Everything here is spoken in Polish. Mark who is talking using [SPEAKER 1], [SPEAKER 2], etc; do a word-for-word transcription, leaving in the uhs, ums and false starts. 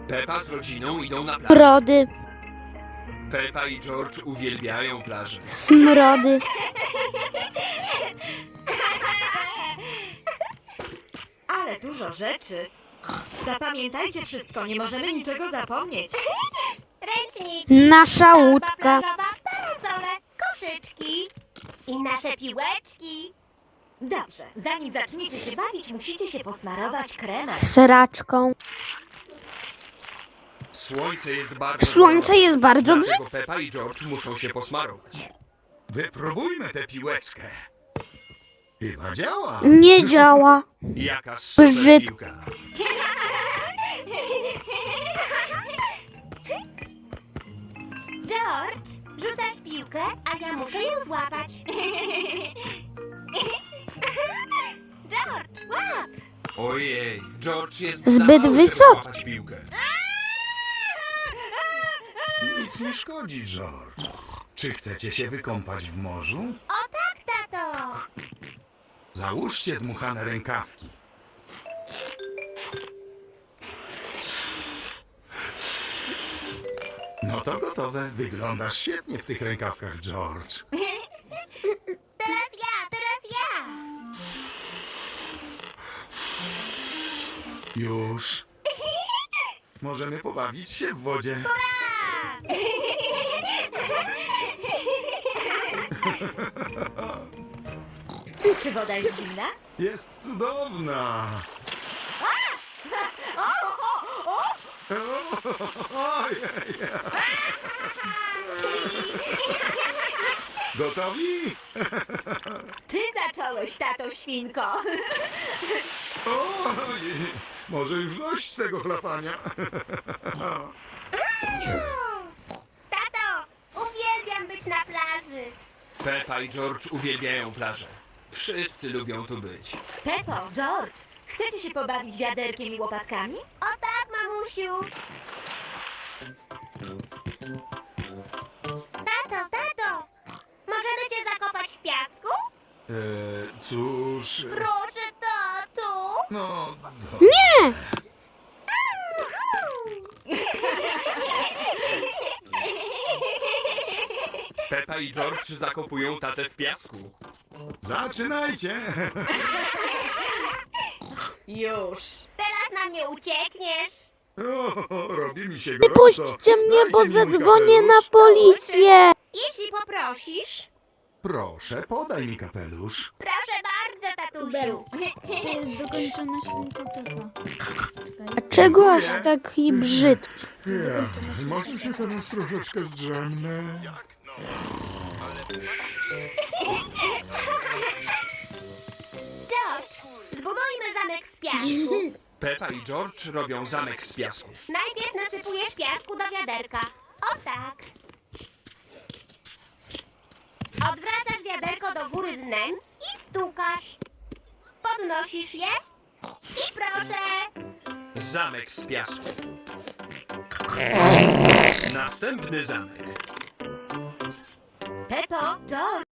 [SPEAKER 1] Pepa z rodziną idą na plażę.
[SPEAKER 2] Brody,
[SPEAKER 1] Pepa i George uwielbiają plażę.
[SPEAKER 2] smrody,
[SPEAKER 3] Ale dużo rzeczy. Zapamiętajcie wszystko, nie możemy niczego zapomnieć.
[SPEAKER 4] Ręcznik,
[SPEAKER 2] nasza
[SPEAKER 4] torba
[SPEAKER 2] łódka,
[SPEAKER 4] plażowa, parasole, koszyczki i nasze piłeczki.
[SPEAKER 3] Dobrze, zanim zaczniecie się bawić, musicie się posmarować kremem.
[SPEAKER 2] seraczką.
[SPEAKER 1] Słońce jest bardzo
[SPEAKER 2] Słońce
[SPEAKER 1] gorące,
[SPEAKER 2] jest bardzo
[SPEAKER 1] dlatego Pepa i George muszą się posmarować.
[SPEAKER 5] Wypróbujmy tę piłeczkę. Chyba działa.
[SPEAKER 2] Nie działa.
[SPEAKER 1] Jaka super
[SPEAKER 2] Brzyd-
[SPEAKER 1] piłka.
[SPEAKER 4] George, rzucasz piłkę, a ja muszę ją złapać. George, łap!
[SPEAKER 1] Ojej, George jest
[SPEAKER 2] Zbyt
[SPEAKER 1] za mały, żeby
[SPEAKER 2] wysoki.
[SPEAKER 1] złapać piłkę.
[SPEAKER 5] Nic nie szkodzi, George. Czy chcecie się wykąpać w morzu?
[SPEAKER 4] O tak, tato!
[SPEAKER 5] Załóżcie dmuchane rękawki. No to gotowe. Wyglądasz świetnie w tych rękawkach, George.
[SPEAKER 4] Teraz ja, teraz ja!
[SPEAKER 5] Już. Możemy pobawić się w wodzie.
[SPEAKER 3] Czy woda jest zimna?
[SPEAKER 5] Jest cudowna. Ojej. Gotowi?
[SPEAKER 3] Ty zacząłeś, tato świnko.
[SPEAKER 5] Ojej. Może już dość tego chlapania.
[SPEAKER 4] Tato, uwielbiam być na plaży.
[SPEAKER 1] Pepa i George uwielbiają plażę. Wszyscy lubią tu być.
[SPEAKER 3] Pepo, George, chcecie się pobawić wiaderkiem i łopatkami?
[SPEAKER 4] O tak, mamusiu! Tato, tato! Możemy cię zakopać w piasku?
[SPEAKER 5] E, cóż...
[SPEAKER 4] Proszę, tato!
[SPEAKER 5] No... Do...
[SPEAKER 2] Nie!
[SPEAKER 1] Pepa i George zakopują tatę w piasku.
[SPEAKER 5] Zaczynajcie!
[SPEAKER 3] Już.
[SPEAKER 4] Teraz na mnie uciekniesz!
[SPEAKER 5] O, robi mi się gorąco.
[SPEAKER 2] Wypuśćcie mnie, bo
[SPEAKER 5] Dajcie mi mój
[SPEAKER 2] zadzwonię na
[SPEAKER 5] kapelusz.
[SPEAKER 2] policję.
[SPEAKER 4] Jeśli poprosisz,
[SPEAKER 5] Proszę, podaj mi kapelusz.
[SPEAKER 4] proszę bardzo, tatusiu.
[SPEAKER 6] To jest dokończona świnka Pepa.
[SPEAKER 2] Dlaczego aż taki brzydki?
[SPEAKER 5] Ja, może się teraz troszeczkę zdrzemnę?
[SPEAKER 4] George, zbudujmy zamek z piasku.
[SPEAKER 1] Pepa i George robią zamek z piasku.
[SPEAKER 4] Najpierw nasypujesz piasku do wiaderka. O tak. Odwracasz wiaderko do góry dnem i stukasz. Podnosisz je i proszę.
[SPEAKER 1] Zamek z piasku. Następny zamek.
[SPEAKER 3] Pepo, George,